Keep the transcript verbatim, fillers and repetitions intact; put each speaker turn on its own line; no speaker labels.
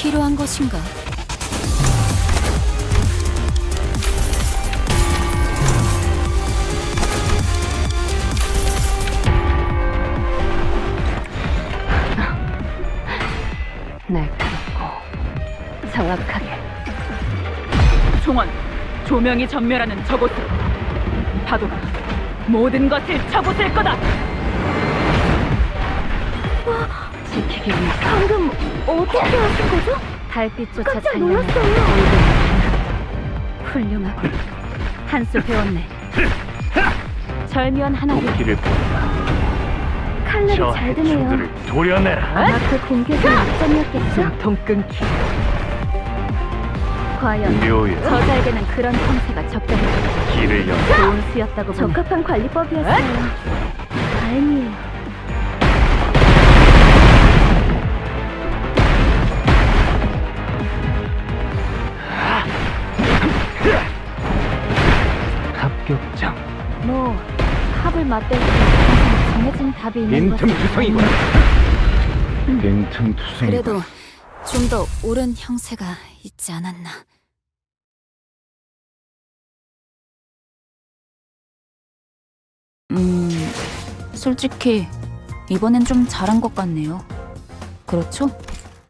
필요한 것인가?
날카롭고 정확하게.
총원, 조명이 전멸하는 저곳으로. 파도가 모든 것을 쳐부술 거다.
지키기 위해서
방금 어떻게 하신 거죠?
달빛조차
깜짝
찬란한
놀랐어요.
얼굴. 훌륭하고 한 수 배웠네. 절묘한 하나를
길을 본다.
칼날이
저
잘 드네요.
해충들을 도려내라.
아마 그 공격이 약점이었겠죠?
숨통 끊기. 과연
묘의
저자에게는 그런 형태가 적당했다.
길을 연.
좋은 수였다고 보네.
적합한 관리법이었어요. 다행이에요.
합격장.
뭐 합을 맞댈 때 항상 정해진 답이 있는 것은
빈틈투성이구나. 빈틈투성이구나.
그래도 좀 더 옳은 형세가 있지 않았나. 음, 솔직히 이번엔 좀 잘한 것 같네요. 그렇죠?